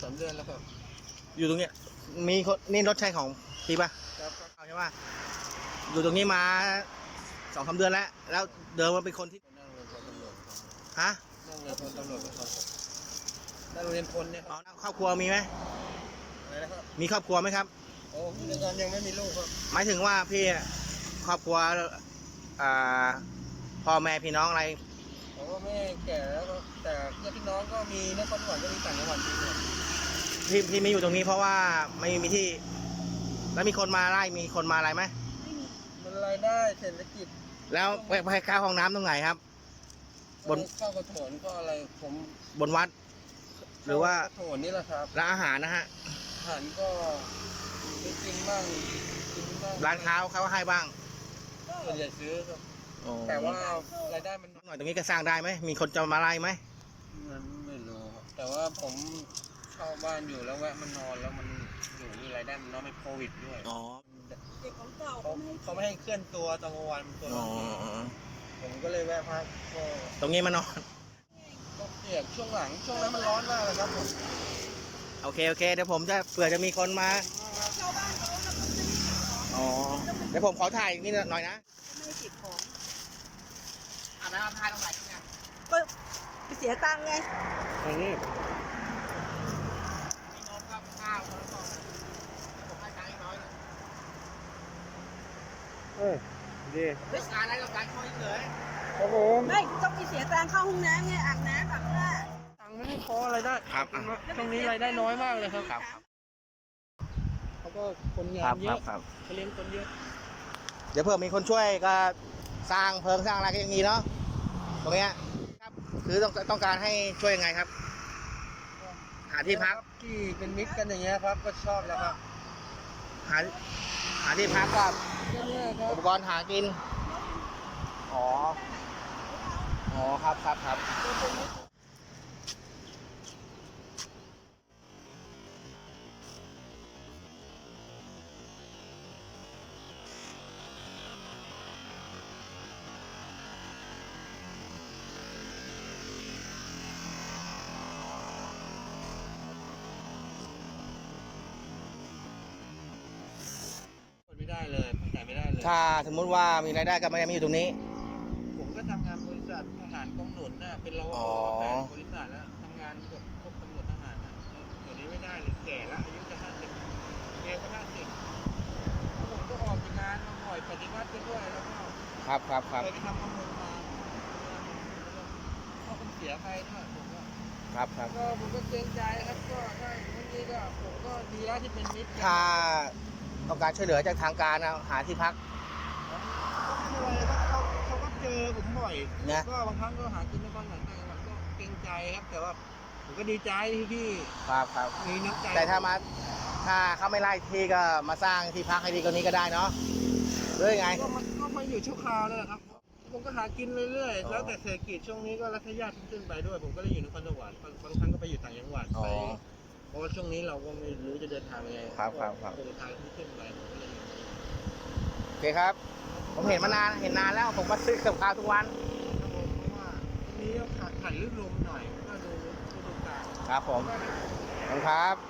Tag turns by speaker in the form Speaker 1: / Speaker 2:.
Speaker 1: 2-3 เดือนแล้วครับ
Speaker 2: อยู่ตรงเนี้ยมีคนนี่รถใช่ของพี่ป่ะ
Speaker 1: ครับ
Speaker 2: ใช่ป่ะอยู่ตรงนี้มา2-3 เดือนแล้วเดิมมาเป็นคนที่
Speaker 1: นั่งเรียนพลตำรวจครับ
Speaker 2: ฮะ
Speaker 1: นั่งเรียนพลตำรวจครับนั่งเรียนพลเนี่ยค
Speaker 2: อ๋
Speaker 1: รั
Speaker 2: อบ ครอบครัวมีไหม
Speaker 1: อะไรนะครับ
Speaker 2: มีครอบครัวไหมครับ
Speaker 1: โอ้พี่ยังยังไม่มีลูกครับ
Speaker 2: หมายถึงว่าพี่ครอบครัวอ่าพ่อแม่พี่น้องอะไร
Speaker 1: ผมก็ไม่แก่แล้วครับแต่ญาติพี่น้องก็มีนครสวรรค์ก็มีต่างจังหวัดมีหมด
Speaker 2: พี่ไม่อยู่ตรงนี้เพราะว่าไม่มีที่ แล้วมีคนมาไล่มีคนมาอะไรไหม
Speaker 1: มันรายได้เศรษฐกิจ
Speaker 2: แล้วไปเข้าห้องน้ำตรงไหนครับ บน
Speaker 1: ข้าวกระโถนก็อะไรผม
Speaker 2: บนวัด หรือว่า
Speaker 1: ข้กระโถนนี่แหละครับ
Speaker 2: ร้านอาหารนะฮะ
Speaker 1: อาหารก็ไม่กินบ้างกินบ้าง
Speaker 2: ร้านค้าเขาให้บ้าง
Speaker 1: ส่วนใหญ่ซื้อครับ
Speaker 2: โอ้
Speaker 1: แต่ว่ารายได้มัน
Speaker 2: หน่อยตรงนี้ก็สร้างได้ไหมมีคนจะมาไล่ไหม
Speaker 1: มันไม่รู้ครับแต่ว่าผมเช่าบ้านอยู่แล้วแวะมันนอนแล้วมันอยู่มีรายได้มันน้อยไม่โควิดด้วย
Speaker 2: อ๋อ
Speaker 3: เด็กของเก่า
Speaker 1: เขาไม่ให้เคลื่อนตัวตอนกลางวันตัว
Speaker 2: อ๋อ
Speaker 1: ผมก็เลยแวะพักก็
Speaker 2: ตรงนี้มานอน
Speaker 1: เปียกช่วงหลังช่วงนั้นมันร้อนมากเลยครับผม
Speaker 2: โอเคเดี๋ยวผมจะเผื่อจะมีคนมา
Speaker 3: ชาวบ้านเขาก็ทำซื้อ
Speaker 2: อ๋อเดี๋ยวผมขอถ่ายนี่หน่อยนะ
Speaker 3: ไม่ได้เก็บของ
Speaker 2: แล้วถ่ายตรงไหนเนี่ย
Speaker 3: ก็ไปเสียตังค์ไง
Speaker 1: อันนี้
Speaker 2: มีนมกับข้าวแล้วก็ผมให้ตังค์น้อยนะ
Speaker 1: ดี
Speaker 2: เรื่องการอะไรกับการช่วยเฉย
Speaker 1: ครับผม
Speaker 3: ไม่ต้องไปเสียตังค์เข้าห้องน้ำไงอาบน้ำอาบน้า
Speaker 1: ตังค์ไม่ให้พอรายได้
Speaker 2: ครับ
Speaker 1: ตรงนี้รายได้น้อยมากเลยครับ
Speaker 2: ครับ
Speaker 1: เขาก็คนงานเยอะ
Speaker 2: ครับ
Speaker 1: เขาเลี้ยงคนเยอะ
Speaker 2: เดี๋ยวเผื่อมีคนช่วยก็สร้างเพิงสร้างอะไรก็ยังมีเนาะตรงเนี้ยครับคือต้องการให้ช่วยยังไงครับ หาที่พัก
Speaker 1: ที่เป็นมิตรกันอย่างเงี้ยครับก็ชอบแล้วครับ
Speaker 2: หาที่พักกับ
Speaker 1: ก็เนี่ยครั
Speaker 2: อุ
Speaker 1: บ
Speaker 2: ปกรณ์หากินอ๋อครับ
Speaker 1: ไม่ได้เลยแต่ไม่ได้เลย
Speaker 2: ถ้าสมมุติว่ามีรายได้ก็ไม่ได้มาอยู่ตรงนี้
Speaker 1: ผมก็ทำงานบริษัททหารกองหนุนน่ะเป็นรป
Speaker 2: อ๋
Speaker 1: ภ
Speaker 2: อ
Speaker 1: แผนบริษัทแล้วทำงานกับพวกตำรวจทหารนะเดี๋ยวนี้ไม่ได้เลยแก่แล้วอายุจะ50แกก็50ผมก็ออกจากงานมาบ่อยปฏิวัติไปด้วยแล้วก็
Speaker 2: ครับ
Speaker 1: เคยไปทำข้อมูลมาก็เป็นเสียใครด้วยผมก็
Speaker 2: ครับ
Speaker 1: ก็ผมก็เกรงใจครับก็ได้วันนี้ก็ผมก็ดีแล้วที่เป็นมิตรกัน
Speaker 2: ถ้าต้องการช่วยเหลือจากทางการนะหาที่พัก
Speaker 1: เขาก็เจอผมบ่อย
Speaker 2: นะ
Speaker 1: ก็บางครั้งก็หากินในบ้านต่างจังหวัดก็เกรงใจครับ แต่ว่าผมก็ดีใจที่พี่
Speaker 2: ครับ
Speaker 1: มีน้ำใจ
Speaker 2: แต่ถ้าเขาไม่ไล่ที่ก็มาสร้างที่พักให้ดีกว่านี้ก็ได้เนาะหรือยังไง
Speaker 1: ก็มันก็มาอยู่ชั่วคราวนั่นแหละครับ ผมก็หากินเรื่อย
Speaker 2: อ๋อ
Speaker 1: ๆแล้วแต่เศรษฐกิจช่วงนี้ก็รัฐญาติขึ้นไปด้วย ผมก็เลยอยู่นครสวรรค์บางครั้งก็ไปอยู่ต่างจังหวัด
Speaker 2: อ๋อ
Speaker 1: ไปเพราะว่าช่วงนี้เราก็ไม่รู้จะเดินทางยังไง
Speaker 2: ครับ
Speaker 1: โครงทางที่ขึ้นไปผมก็เลยอยู่
Speaker 2: โอเคครับ ผมเห็นนานแล้วผมมาซื้อกับข้าวทุกวัน
Speaker 1: ครับผมเพราะว่าตรงนี้ก็ขาดลื่นลมหน่อยก็ดูกาล
Speaker 2: ครับผมขอบคุณครับ